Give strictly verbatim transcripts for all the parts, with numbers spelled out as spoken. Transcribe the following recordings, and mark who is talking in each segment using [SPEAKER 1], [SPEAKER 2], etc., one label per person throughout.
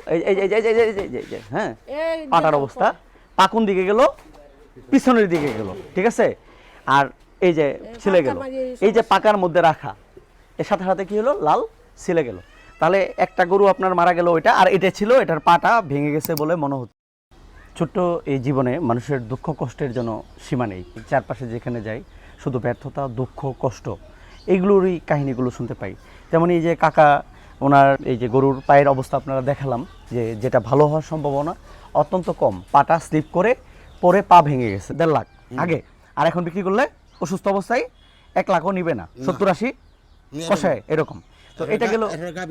[SPEAKER 1] এই এই এই এই এই এই যে হ্যাঁ পাটার অবস্থা, পাকুন দিকে গেল, পিছনের দিকে গেল, ঠিক আছে। আর এই যে ছিলে গেল, এই যে পাকার মধ্যে রাখা, এর সাথে সাথে কি হলো, লাল ছিলে গেল। তাহলে একটা গরু আপনার মারা গেল ওইটা, আর এটা ছিল এটার পাটা ভেঙে গেছে বলে মনে হচ্ছে। ছোট্ট এই জীবনে মানুষের দুঃখ কষ্টের জন্য সীমা নেই। চারপাশে যেখানে যাই শুধু ব্যর্থতা, দুঃখ, কষ্ট, এইগুলোরই কাহিনীগুলো শুনতে পাই। তেমন এই যে কাকা ওনার এই যে গরুর পায়ের অবস্থা আপনারা দেখালাম, যে যেটা ভালো হওয়ার সম্ভাবনা অত্যন্ত কম, পাটা স্লিপ করে পরে পা ভেঙে গেছে দেড় লাখ আগে, আর এখন বিক্রি করলে অসুস্থ অবস্থায় এক লাখও নিবে না, সত্তর আশি কষায় এরকম। তো এটা গেল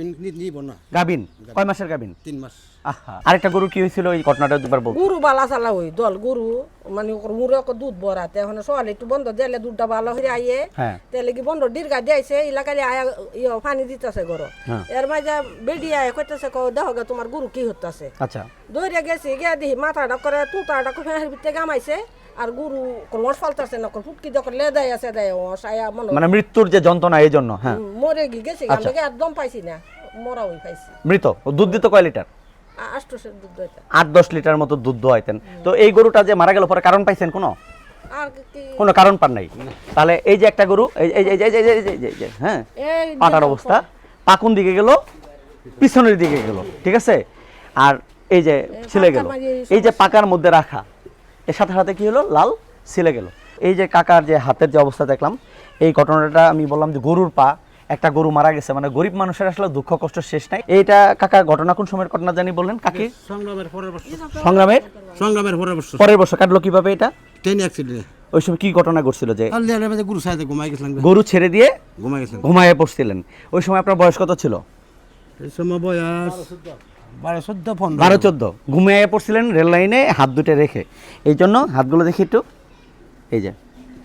[SPEAKER 1] গাবিন, কয় মাসের গাবিন? তিন মাস। আহা, আরেকটা গরু কি হয়েছিল এই ঘটনাটা দুবার বল।
[SPEAKER 2] গরু বালা চালা হই দল গরু মানে মুরে দুধ বরাতে এখন সকালে একটু বন্ধ দিলে দুধটা ভালো হয়ে আইয়ে তাহলে কি বন্ধ দীর্ঘা দিয়েছে এলাকায় আয়া ইয়ে পানি দিতেছে গরু, এর মাঝে বেডি আয় কইতেছে দেখো গে তোমার গরু কি হতেছে।
[SPEAKER 1] আচ্ছা,
[SPEAKER 2] দৌড়ে গেছি গিয়া দেখি মাথাটা করে তুতাটা ফেঁসের ভিতরে গামাইছে, আর গরু কোমর ফালতাছে না, ফুটকি যখন লেদাই আছে দেয় সায়া মনে
[SPEAKER 1] মানে মৃত্যুর যে যন্ত্রণা এই জন্য। হ্যাঁ,
[SPEAKER 2] মরে গি গেছি আমি একদম পাইছি না, মরা হই পাইছি।
[SPEAKER 1] মৃত দুধ দিত কয় লিটার?
[SPEAKER 2] আটশো দুধ দইতা,
[SPEAKER 1] আট দশ লিটার মতো দুধ দোয়াইতেন। তো এই গরুটা যে মারা গেল পরে কারণ পাইছেন কোনো?
[SPEAKER 2] আর
[SPEAKER 1] কোনো কারণ পান নাই। তাহলে এই যে একটা গরু এই এই এই এই যে হ্যাঁ পাটার অবস্থা, পাকুন দিকে গেল, পিছনের দিকে গেল, ঠিক আছে। আর এই যে ছিলে গেল, এই যে পাকার মধ্যে রাখা, এর সাথে সাথে কি হলো, লাল ছিলে গেল। এই যে কাকার যে হাতের যে অবস্থা দেখলাম, এই ঘটনাটা আমি বললাম যে গরুর পা, একটা গরু মারা গেছে, মানে গরিব মানুষের আসলে দুঃখ কষ্ট শেষ নাই। এইটা কাকা ঘটনা কোন সময়ের ঘটনা জানি বললেন কাকি?
[SPEAKER 3] সংগ্রামের পরের বছর।
[SPEAKER 1] সংগ্রামের
[SPEAKER 3] সংগ্রামের পরের বছর।
[SPEAKER 1] পরের বছর কাটলো কিভাবে এটা?
[SPEAKER 3] ট্রেন অ্যাক্সিডেন্টে।
[SPEAKER 1] ওই সময় কি ঘটনা ঘটছিল? যে
[SPEAKER 3] গরু সাইতে ঘুমাই গেছিলাম,
[SPEAKER 1] গরু ছেড়ে দিয়ে
[SPEAKER 3] ঘুমাই গেছিলাম,
[SPEAKER 1] ঘুমায়ে পড়ছিলেন। ওই সময় আপনার বয়স কত ছিল?
[SPEAKER 3] এই সময় বয়স বারো চোদ্দ পনেরো।
[SPEAKER 1] বারো চোদ্দ ঘুমিয়ে পড়ছিলেন রেল লাইনে হাত দুটো রেখে। এই জন্য হাতগুলো দেখি একটু, এই যে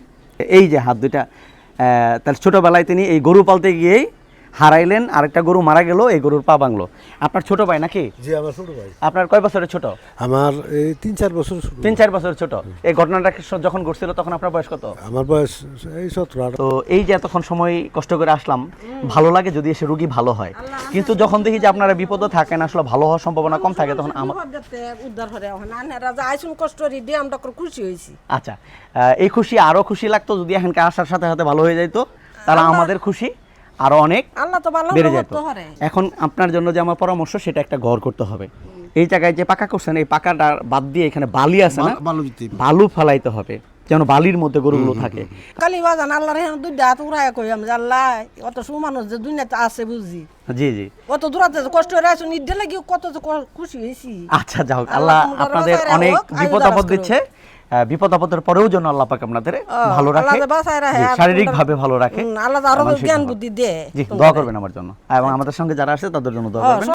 [SPEAKER 1] এই যে হাত দুটা, তার ছোটোবেলায় তিনি এই গরু পালতে গিয়েই হারাইলেন, আরেকটা গরু মারা গেল, এই গরুর পা ভাঙলো। আপনার ছোট ভাই নাকি?
[SPEAKER 4] জি, আমার ছোট ভাই।
[SPEAKER 1] আপনার কয় বছরের ছোট?
[SPEAKER 4] আমার এই তিন চার বছর।
[SPEAKER 1] তিন চার বছর ছোট। এই ঘটনাটা যখন ঘটছিল তখন আপনার বয়স কত?
[SPEAKER 4] আমার বয়স এই সতেরো।
[SPEAKER 1] তো এই যে এতক্ষণ সময় কষ্ট করে আসলাম, ভালো লাগে যদি এসে রুগী ভালো হয়, কিন্তু যখন দেখি যে আপনারা বিপদে থাকেন, আসলে ভালো হওয়ার সম্ভাবনা কম থাকে, তখন আমার
[SPEAKER 2] উদ্ধার করে আইসুন কষ্ট দিয়ে আমরা খুশি হয়েছি।
[SPEAKER 1] আচ্ছা, এই খুশি আরো খুশি লাগতো যদি এখানকার আসার সাথে সাথে ভালো হয়ে যাইতো, তাহলে আমাদের খুশি আরো অনেক বেড়ে যেত। এখন আপনার জন্য যে আমার পরামর্শ, সেটা একটা ঘর করতে হবে। এই জায়গায় যে পাকা করছেন, এই পাকাটা বাদ দিয়ে এখানে বালি আছে না, বালু ফেলাইতে হবে যেন বালির মধ্যে গরুগুলো থাকে।
[SPEAKER 2] কালি বাজান আল্লাহর এখানে দুই হাত উড়াই কই আমি আল্লাহ অত সুমানুষ যে দুনিয়াতে আছে বুঝি।
[SPEAKER 1] জি জি,
[SPEAKER 2] অত দূরাতে কষ্ট হয়ে আছো নিদে লাগি কত খুশি হইছি।
[SPEAKER 1] আচ্ছা, যাও, আল্লাহ আপনাদের অনেক বিপদ আপদ দিচ্ছে, বিপদ আপদের পরেও যেন আল্লাহ পাক আপনাদের ভালো রাখে, শারীরিক ভাবে ভালো রাখে,
[SPEAKER 2] আল্লাহ আরো জ্ঞান বুদ্ধি দে।
[SPEAKER 1] জি, দোয়া করবেন আমার জন্য এবং আমাদের সঙ্গে যারা আছে তাদের জন্য দোয়া করবেন।